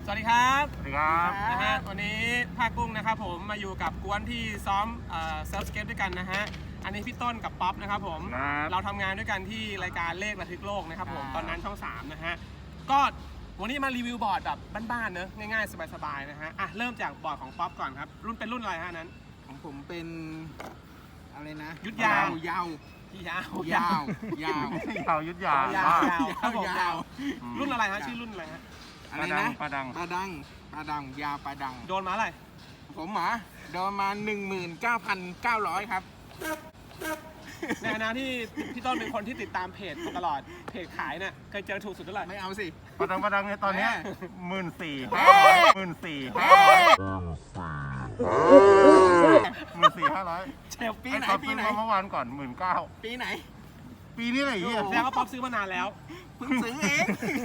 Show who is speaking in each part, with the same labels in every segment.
Speaker 1: สวัสดีครับ
Speaker 2: สวัสดีครับ
Speaker 1: นะฮะวันนี้ภาคกุ้งนะครับผมมาอยู่กับกวนที่ซ้อมเซิร์ฟสเก็ตด้วยกันนะฮะอันนี้พี่ต้นกับป๊อปนะครับผม
Speaker 2: ครับ
Speaker 1: เราทำงานด้วยกันที่รายการเลขระทึกโลกนะครับผมตอนนั้นช่อง3นะฮะก็วันนี้มารีวิวบอร์ดแบบบ้านๆเนอะง่ายๆสบายๆนะฮะอ่ะเริ่มจากบอร์ดของป๊อปก่อนครับรุ่นเป็นรุ่นอะไรฮะนั้น
Speaker 3: ของผมเป็นอะไรนะ
Speaker 1: ยุทธยาว
Speaker 3: ยาว
Speaker 1: ที่ยาว
Speaker 3: ๆยาว
Speaker 2: เต่ายุทธยาย
Speaker 1: าวครับผม
Speaker 3: ยาว
Speaker 1: รุ่นอะไรฮะชื่อรุ่นอะไรฮะ
Speaker 3: อะไรนะ
Speaker 2: ปลาดัง
Speaker 3: ปลาดังยาวปลาดัง
Speaker 1: โดนมาอะไร
Speaker 3: ผมหมาโดนมา 19,900 ครับ
Speaker 1: ในฐานะที่พี่ต้นเป็นคนที่ติดตามเพจมาตลอดเพจขายเนี่ยเคยเจอถูกสุดเท่าไหร่
Speaker 3: ไม่เอาสิ
Speaker 2: ปลาดังเนี่ยตอนเนี้ย
Speaker 3: แม่
Speaker 2: 14,000
Speaker 3: เฮ้ย
Speaker 2: 14,500
Speaker 1: เชฟ
Speaker 3: ปีไหน
Speaker 2: ตอน
Speaker 3: ปี
Speaker 2: ซื้อ
Speaker 3: ไหน
Speaker 2: มาเมื่อวานก่อน 19,000
Speaker 3: ปีไหน
Speaker 2: ปีนี้อะไรเงี้ย
Speaker 1: แสดงว่าป๊อปซื้อมานานแล้ว
Speaker 3: เพิ่งซื้อเอง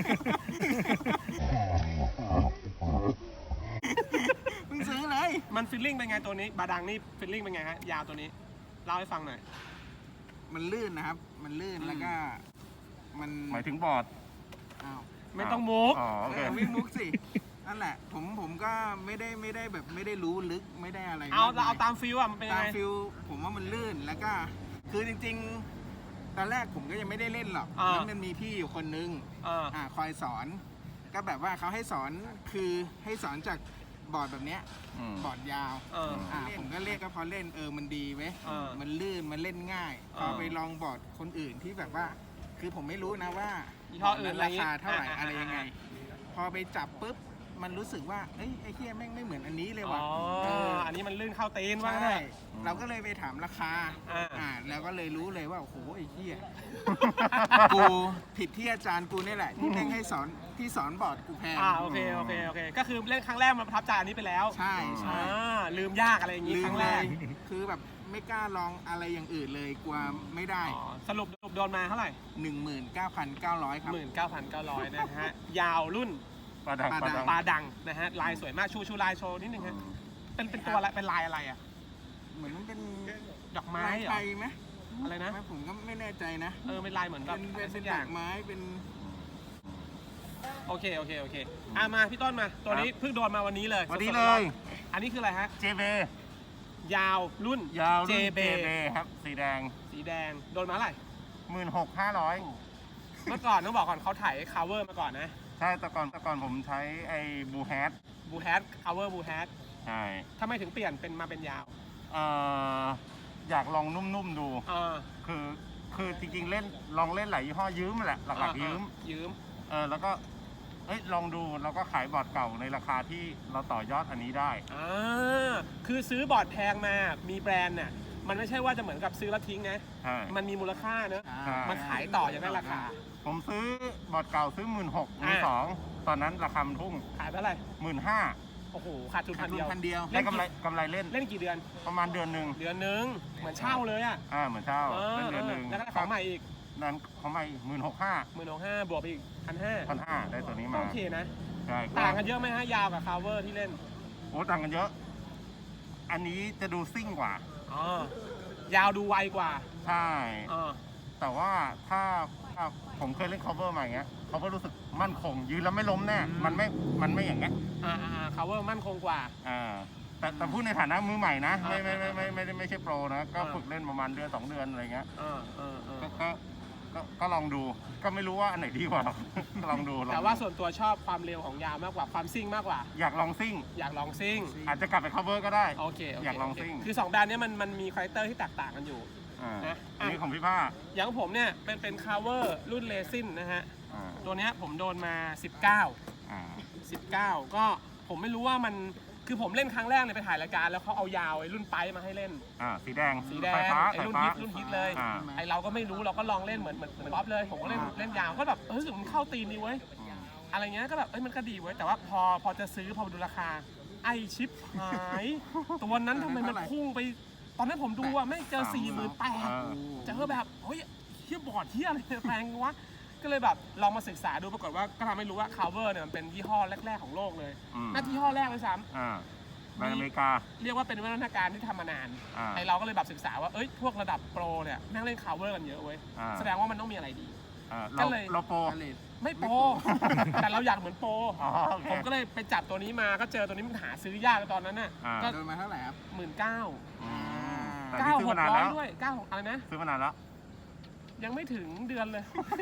Speaker 3: เพิ่งซื้อเลย
Speaker 1: มันฟิลลิ่งเป็นไงตัวนี้บาดังนี่ฟิลลิ่งเป็นไงฮะยาวตัวนี้เล่าให้ฟังหน่อย
Speaker 3: มันลื่นนะครับ มันลื่นแล้วก็ มัน
Speaker 2: หมายถึงบอร์ด
Speaker 3: อ้าว
Speaker 1: ไม่ต้องมุก
Speaker 2: อ๋อโอเค
Speaker 3: ไม่มุกสิ นั่นแหละ ผมก็ไม่ได้แบบไม่ได้รู้ลึกไม่ได้อะไร
Speaker 1: เอา
Speaker 3: มก
Speaker 1: เราเอา
Speaker 3: ย
Speaker 1: ตามฟิลอะมันเป็นยัง
Speaker 3: ตาม
Speaker 1: ไง
Speaker 3: ฟิลผมว่ามันลื่นแล้วก็คือจริงๆ ตอนแรกผมก็ยังไม่ได้เล่นหรอก
Speaker 1: อ่า
Speaker 3: แล้วมันมีพี่อยู่คนนึง คอยสอน ก็แบบว่าเขาให้สอนคือให้สอนจากบอร์ดแบบเนี้ย
Speaker 2: อืม
Speaker 3: บอร์ดยาว ผมก็เล่นก็พอเล่นมันดีเว้ย มันลื่นมันเล่นง่าย พอไปลองบอร์ดคนอื่นที่แบบว่า คือผมไม่รู้นะว่า
Speaker 1: ยี่ห้ออื่น
Speaker 3: ราคาเท่าไหร่
Speaker 1: อ่า
Speaker 3: อะไรยังไง พอไปจับปุ๊บมันรู้สึกว่าเอ้ยไอ้เหี้ยแม่งไม่เหมือนอันนี้เลยว่ะ
Speaker 1: อันนี้มันลื่นเข้าตีนว่า
Speaker 3: ใช่
Speaker 1: ไง
Speaker 3: เราก็เลยไปถามราคา
Speaker 1: อ่า
Speaker 3: แล้วก็เลยรู้เลยว่าโอ้โหไอ้เหี้ย กูผิดที่อาจารย์กูนี่แหละ ที่แม่งให้สอนที่สอนบอร์ดกูแพง
Speaker 1: โอเคก็คือเล่นครั้งแรกมันประทับใจอันนี้ไปแล้ว
Speaker 3: ใช่ใช่
Speaker 1: ลืมยากอะไรอย่างงี้
Speaker 3: ลื
Speaker 1: ค
Speaker 3: ม
Speaker 1: รั้ง
Speaker 3: เล
Speaker 1: แรก
Speaker 3: ยคือแบบไม่กล้าลองอะไรอย่างอื่นเลยกลัวไม่ได้
Speaker 1: สรุปโดนมาเท่าไหร่
Speaker 3: 19,900 ครับ
Speaker 1: 19,900นะฮะยาวรุ่น
Speaker 2: ปลาดัง
Speaker 3: ปลาดัง
Speaker 1: ปลาดังนะฮะลายสวยมากชูลายโชว์นิดนึงฮะเป็นตัวอะไรเป็นลายอะไรอ่ะ
Speaker 3: เหมือนมันเป็น
Speaker 1: ดอกไม้
Speaker 3: ลาย
Speaker 1: เหร
Speaker 3: ไท
Speaker 1: อย
Speaker 3: ไหม
Speaker 1: อะไรนะ
Speaker 3: ผมก็ไม่แน่ใจนะ
Speaker 1: เป็นลายเหมือนแบบ
Speaker 3: เป็น
Speaker 1: สักอ
Speaker 3: ด
Speaker 1: ย่า
Speaker 3: อง กไม้เป็น
Speaker 1: โอเคมาพี่ต้นมาตัวนี้เพิ่งโดนมาวันนี้เลย
Speaker 2: วันนี้
Speaker 1: สดๆ
Speaker 2: เล
Speaker 1: ร้อน
Speaker 2: ย
Speaker 1: ๆอันนี้คืออะไรฮะ
Speaker 2: JB
Speaker 1: ยาวรุ่น
Speaker 2: ยาวรุ่น
Speaker 1: JB
Speaker 2: JB ครับ สีแดง
Speaker 1: สีแดงโดนมาเท่าไหร่
Speaker 2: 16,500
Speaker 1: เมื่อก่อนต้องบอกก่อนเขาถ่าย cover มาก่อนนะ
Speaker 2: ใช่แต่ก่อนผมใช้ไอ้บูแฮท
Speaker 1: บูแฮท cover บูแฮท
Speaker 2: ใช่
Speaker 1: ทำไมถึงเปลี่ยนเป็นมาเป็นยาว
Speaker 2: เอ่ออยากลองนุ่มๆดู คือจริงๆเล่นลองเล่นหลายยี่ห้อยืมแหละหลักๆยืมแล้วก็ลองดูแล้วก็ขายบอร์ดเก่าในราคาที่เราต่อยอดอันนี้ได้
Speaker 1: คือซื้อบอร์ดแพงมามีแบรนด์น่ะมันไม่ใช่ว่าจะเหมือนกับซื้อแล้วทิ้งนะ
Speaker 2: ใช่
Speaker 1: มันมีมูลค่าเนอะ
Speaker 2: ใช่
Speaker 1: มันขายต่ออย่างได้ราคา
Speaker 2: ผมซื้อบอร์ดเก่าซื้อ 16,000 มือสองตอนนั้นราคามันพุ่ง
Speaker 1: ขายไปเท่าไหร่
Speaker 2: 15,000
Speaker 1: โอ้โหขาดทุน
Speaker 3: ขา
Speaker 1: พั
Speaker 3: ด
Speaker 1: น
Speaker 3: ทุ
Speaker 1: เดี
Speaker 3: น
Speaker 1: ยว
Speaker 3: พันเดียว
Speaker 2: ได้กำไรเล่น
Speaker 1: เล่นกี่เดือน
Speaker 2: ประมาณเดือนหนึ่ง
Speaker 1: เดือนนึงเหมือนเช่าเลยอ่ะ
Speaker 2: เหมือนเช่าเล่นเดือนหนึ่ง
Speaker 1: แล้วก็ได้ของใหม่อีก
Speaker 2: นั้นของใหม่
Speaker 1: 15,000บวกไปอีก 1,500
Speaker 2: 1,500ได้ตัวนี้
Speaker 1: ก็
Speaker 2: มา
Speaker 1: โอเคนะ
Speaker 2: ใช่
Speaker 1: ต่างกันเยอะไหมฮะยาวกับ cover ที่เล่น
Speaker 2: โอ้ต่างกันเยอะ อันนี้จะดูซิ่งกว่า
Speaker 1: ยาวดูไวกว่า
Speaker 2: ใช่ แต่ว่าถ้าผมเคยเล่น cover มาอย่างเงี้ย cover รู้สึกมั่นคงยืนแล้วไม่ล้มแน่ มันไม่อย่างเงี้ย
Speaker 1: cover มั่นคงกว่า
Speaker 2: แต่พูดในฐานะมือใหม่นะ ไม่ใช่โปรนะ ก็ฝึกเล่นประมาณเดือน2 เดือนอะไรเงี้ยก็ลองดู ก็ไม่รู้ว่าอันไหนดีกว่า ลองดู
Speaker 1: แต่ว่าส่วนตัวชอบความเร็วของยาวมากกว่าความซิ่งมากกว่า
Speaker 2: อยากลองซิ่ง
Speaker 1: อยากลองซิ่ง
Speaker 2: อาจจะกลับไป cover ก็ได้
Speaker 1: โอเค
Speaker 2: อยากลองซิ่ง
Speaker 1: คือ2แบรนด์นี้มันมีคาแรคเตอร์ที่แตกต่างกันอยู่ นะ
Speaker 2: อันนี้ของพี่ผ้า
Speaker 1: อย่างผมเนี่ยเป็น cover รุ่นเลซินนะฮะ ตัวเนี้ยผมโดนมา 19 ก็ผมไม่รู้ว่ามันคือผมเล่นครั้งแรกเลยไปถ่ายรายการแล้วเขาเอายาวไอ้รุ่นไปมาให้เล่น
Speaker 2: สีแดง
Speaker 1: ไฟ
Speaker 2: ฟ้า
Speaker 1: ไอ้รุ่นฮิตเลยไอ้เราก็ไม่รู้เราก็ลองเล่นเหมือนป๊อปเลยผมก็เล่นยาวก็แบบรู้สึกมันเข้าตีนดีเว้ยอะไรเงี้ยก็แบบมันก็ดีเว้ยแต่ว่าพอจะซื้อพอดูราคาไอชิปหายตัวนั้นทำไมมันพุ่งไปตอนนั้นผมดูอะไม่เจอ 48,000เจอแบบเฮ้ยเฮียบอร์ดเฮียอะไรแพงวะก็เลยแบบลองมาศึกษาดูปรากฏว่าก็ทำให้รู้ว่า cover เนี่ยมันเป็นยี่ห้อแรกๆของโลกเลยน่ายี่ห้อแรกเลยซ้ำ
Speaker 2: ในอเมริกา
Speaker 1: เรียกว่าเป็นวิวัฒนาการที่ทำมานานไอเราก็เลยแบบศึกษาว่าพวกระดับโปรเนี่ยแม่งเล่น cover กันเยอะเว้ยแสดงว่ามันต้องมีอะไรดีก็เลย
Speaker 2: เราโปร
Speaker 1: ไม่โปร แต่เราอยากเหมือนโปร
Speaker 2: อ๋อโอเค
Speaker 1: ผมก็เลยไปจับตัวนี้มาก็เจอตัวนี้มันหาซื้อยากตอนนั้นน่ะ ก็
Speaker 3: โดนมาเท่าไหร่ครับ
Speaker 2: อืมแต่
Speaker 1: 9,900
Speaker 2: นี่ซื้อมานานแล้ว
Speaker 1: ด้วย96อะไรนะ
Speaker 2: ซื้อมานานแล้ว
Speaker 1: ยังไม่ถึงเดือนเลย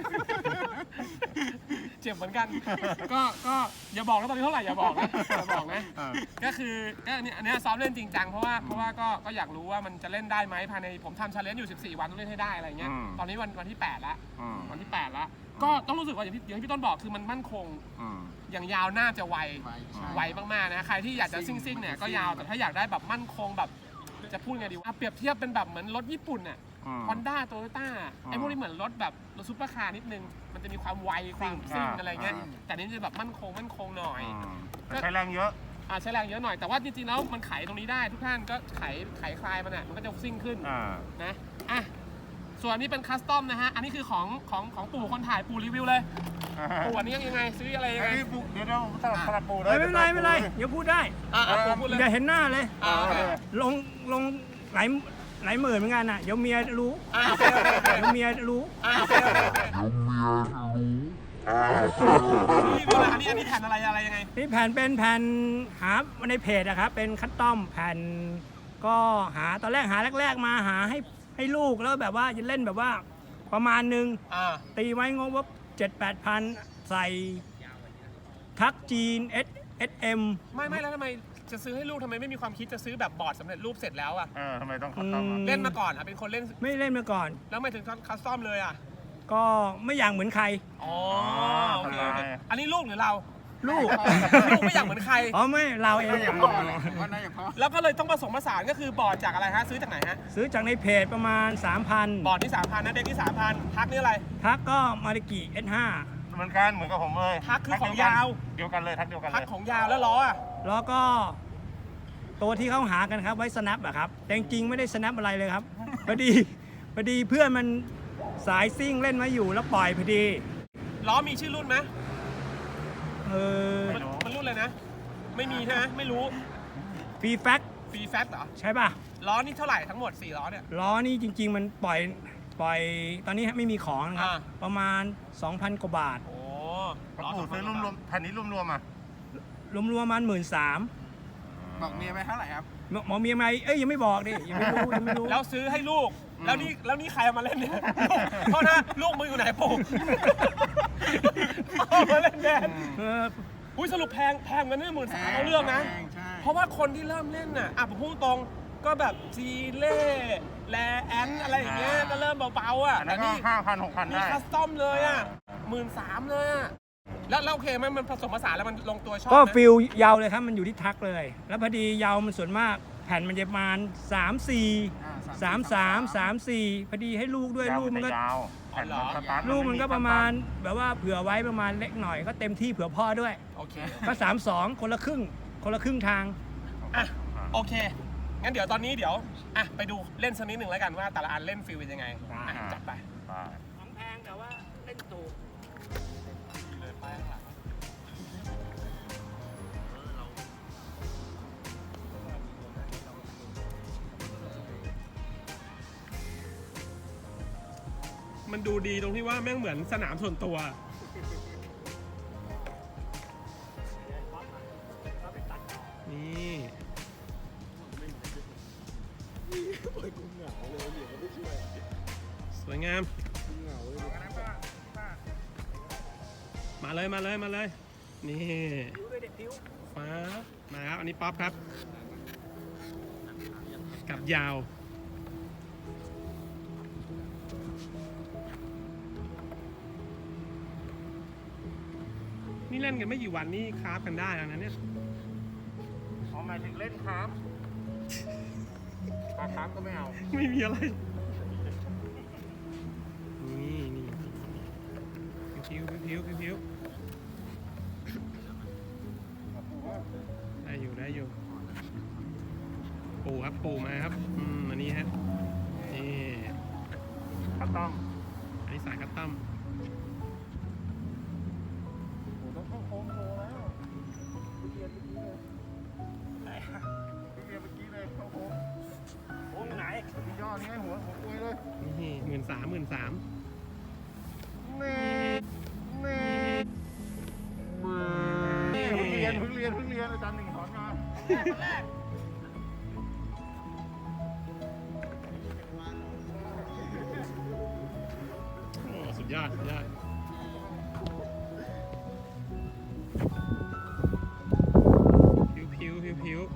Speaker 1: เจ็บเหมือนกัน ก็อย่าบอกนะตอนนี้เท่าไหร่อย่าบอกนะอย่าบอกนะ ก็คือก็เนี่ยอันเนี้ยซ้อมเล่นจริงจังเพราะว่าก็อยากรู้ว่ามันจะเล่นได้ไหมภายในผมทำชาเลนจ์อยู่14 วันต้องเล่นให้ได้อะไรเงี้ย ตอนนี้วันที่8ละวันที่8ละก็ต้องรู้สึกว่าอย่างที่พี่ต้นบอกคือมันมั่นคง อย่างยาวน่าจะไว ไวมากๆนะใครที่อยากจะซิ่งเนี่ยก็ยาวแต่ถ้าอยากได้แบบมั่นคงแบบจะพูดไงดีเปรียบเทียบเป็นแบบเหมือนรถญี่ปุ่นน่ะฮอนด้าโตโยต้าไอ้พวกนี้เหมือนรถแบบรถซุปเปอร์คาร์นิดนึงมันจะมีความไวความซิ่งอะไรเงี้ยแต่นี้จะแบบมั่นคงหน่อย
Speaker 2: ใช้แรงเยอะ
Speaker 1: ใช้แรงเยอะหน่อยแต่ว่าจริงๆแล้วมันไขตรงนี้ได้ทุกท่านก็ไขคลายมันอ่ะมันก็จะซิ่งขึ้นนะส่วนนี้เป็นคัสตอมนะฮะอันนี้คือของปู่คนถ่ายปู่รีวิวเลยปู่อันนี้ยังไงซื้ออะไรยังไง
Speaker 2: เดี๋ยวผมสลับปูเลย
Speaker 4: ไม่เป็นไรเดี๋ยวพูดได้
Speaker 1: ปู่พูดเลย
Speaker 4: อย่าเห็นหน้าเลย
Speaker 1: โอเค
Speaker 4: ลงหลายหมื่นเหมือนกันน่ะเดี๋ยวเมียรู้
Speaker 1: โอเค
Speaker 4: เดี๋ยวเมียรู้
Speaker 1: โอเครีวิวเลยอันนี้แผ่นอะไรยังไง
Speaker 4: นี่แผ่นเป็นแผ่นหาในเพจอะครับเป็นคัสตอมแผ่นก็หาตอนแรกแรกมาหาให้ลูกแล้วแบบว่าจะเล่นแบบว่าประมาณนึงตีไว้งบว่า7-8 พันใส่ทักจีน SM
Speaker 1: ไม่แล้วทำไมจะซื้อให้ลูกทำไมไม่มีความคิดจะซื้อแบบบอร์ดสำเร็จรูปเสร็จแล้วอ่ะ
Speaker 2: ทำไมต้องคัสตอม
Speaker 1: เล่นมาก่อนเป็นคนเล่น
Speaker 4: ไม่เล่นมาก่อน
Speaker 1: แล้วไม่ถึงคัสตอมเลยอ่ะ
Speaker 4: ก็ไม่อยากเหมือนใคร
Speaker 1: อ๋อโอเคอันนี้ลูกหรือเรา
Speaker 4: ลูก
Speaker 1: ลูกไม่อยากเหมือนใคร
Speaker 4: อ๋อไม่เราเอง
Speaker 3: อย่างพ่อเลยว่าน่าอย่างพ่อ
Speaker 1: แล้วก็เลยต้องผสมผสานก็คือบอร์ดจากอะไรฮะซื้อจากไหนฮะ
Speaker 4: ซื้อจากในเพจประมาณ 3,000
Speaker 1: บอร์ดที่ 3,000นะเด็กที่ 3,000ทักนี่อะไร
Speaker 4: ทักก็มาริกิ S5
Speaker 2: เหมือนกับผมเลย
Speaker 1: ทักคือของยาว
Speaker 2: เดียวกันเลยทักเดียวกันเลย
Speaker 1: ทักของยาวแล้วล้ออ่ะ
Speaker 4: แล้วก็ตัวที่เขาหากันครับไว้สแนปอะครับแต่จริงๆไม่ได้สแนปอะไรเลยครับ พอดีเพื่อนมันสายซิ่งเล่นมาอยู่แล้วปล่อยพอดี
Speaker 1: ล้อมีชื่อรุ่นไหม
Speaker 2: ไม่รู้
Speaker 1: มันรุ่นเลยนะ ไม่มีใช่ไหมไม่รู้
Speaker 4: ฟรีแฟก
Speaker 1: ฟรีแฟตเหรอ
Speaker 4: ใช่ป่ะ
Speaker 1: ล้อนี่เท่าไหร่ทั้งหมด4ล้อเนี่ย
Speaker 4: ล้อนี่จริง ๆ มันปล่อยตอนนี้ไม่มีของนะครับ ประมาณ 2,000 กว่าบาท
Speaker 1: โอ้
Speaker 2: ล้อซื้อรวมๆแผ่นนี้รวมๆอ่ะ
Speaker 4: รวมๆประมาณ13,000
Speaker 3: บอกเมียไปเท่าไหร่ครับ
Speaker 4: หมอเมียไหมยังไม่บอกดิยังไม่รู้
Speaker 1: แล้วซื้อให้ลูก แล้วนี่ใครเอามาเล่นเนี่ยโทษนะลูกมึงอยู่ไหนปู่เอามาเล่นแดนอุ้ยสรุปแพงกันเนี่ย13,000เอาเรื่องนะ
Speaker 3: ใช่
Speaker 1: เพราะว่าคนที่เริ่มเล่นน่ะผมพูดตรงก็แบบจีเล่แลแอนอะไรอย่างเงี้ยก็เริ่มเบาๆอ่ะ
Speaker 2: อัน
Speaker 1: แต่
Speaker 2: นั้นก็
Speaker 1: นี่
Speaker 2: 5,000-6,000
Speaker 1: มี
Speaker 2: ได้
Speaker 1: คัสตอมเลยอ่ะ13,000เลยอ่ะแล้วโอเคไหมันผสมผสานแล้วมันลงตัวชอบ
Speaker 4: ก็
Speaker 1: นะ
Speaker 4: ฟิลยาวเลยครับมันอยู่ที่ทักเลย แล้วพอดียาวมันส่วนมากแผ่นมันจะประมาณ3-4 3-3-3-4พอดีให้ลูกด้วย
Speaker 2: ยาว
Speaker 4: ลูกมันก็
Speaker 2: ยาวแผ่นสตาร์ท
Speaker 4: ลูกมันก็ประมาณแบบว่าเผื่อไว้ประมาณเล็กหน่อยก็เต็มที่เผื่อพ่อด้วย
Speaker 1: โอเค
Speaker 4: ก็3-2คนละครึ่งทาง
Speaker 1: อ่ะโอเคงั้นเดี๋ยวตอนนี้ไปดูเล่นสักนิดหนึ่งแล้วกันว่าแต่ละอันเล่นฟิลเป็นยังไงจัดไป
Speaker 4: ของแพงแต่ว่าเล่นถูก
Speaker 1: มันดูดีตรงที่ว่าแม่งเหมือนสนามส่วนตัว นี่สวยงาม มาเลย นี่ฟ้ามาครับ อันนี้ป๊อปครับ กับยาว นี่เล่นกันไม่กี่วันนี่คราฟกันได้แล้วนะเนี่ย
Speaker 2: หมายถึงเล่นครับปลาครับก็ไม่เอา
Speaker 1: ไม่มีอะไร นี่ผิวได้อยู่ ปูครับ ปูมาครับ อันนี้ฮะ นี่
Speaker 2: คัสตอม
Speaker 1: อันนี้สายคัตตัม
Speaker 2: ต้องเข้าโค้งโชว์แล้วเรียนเมื่อกี้เลยเข้าโค้ง
Speaker 4: โอ้ยไหน
Speaker 2: มีย่อนี่ไงหัวปุยเลย
Speaker 1: นี่13,000
Speaker 2: นี่รียนอาจารย์หนึ่งสอนมา
Speaker 1: สุดยอดผิว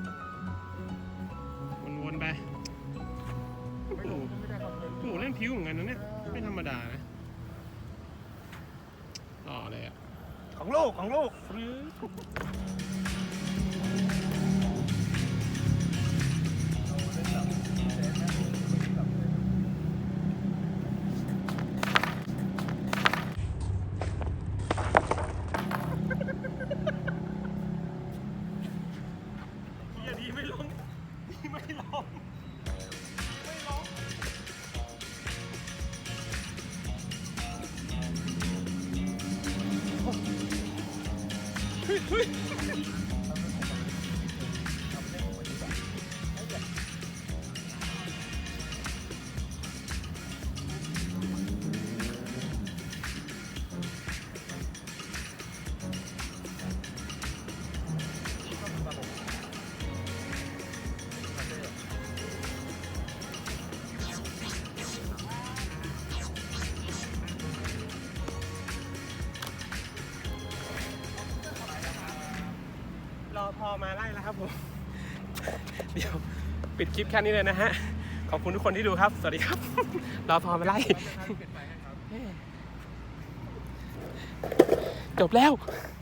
Speaker 1: วนไปโอ้โหเล่นผิวเหมือนกันนะเนี่ยไม่ธรรมดานะต่อเลยอ่ะ
Speaker 4: ของลูก
Speaker 1: ดีไม่ลง รอพอมาไล่แล้วครับผม เดี๋ยวปิดคลิปแค่นี้เลยนะฮะ ขอบคุณทุกคนที่ดูครับ สวัสดีครับ รอพอมาไล่ จบแล้ว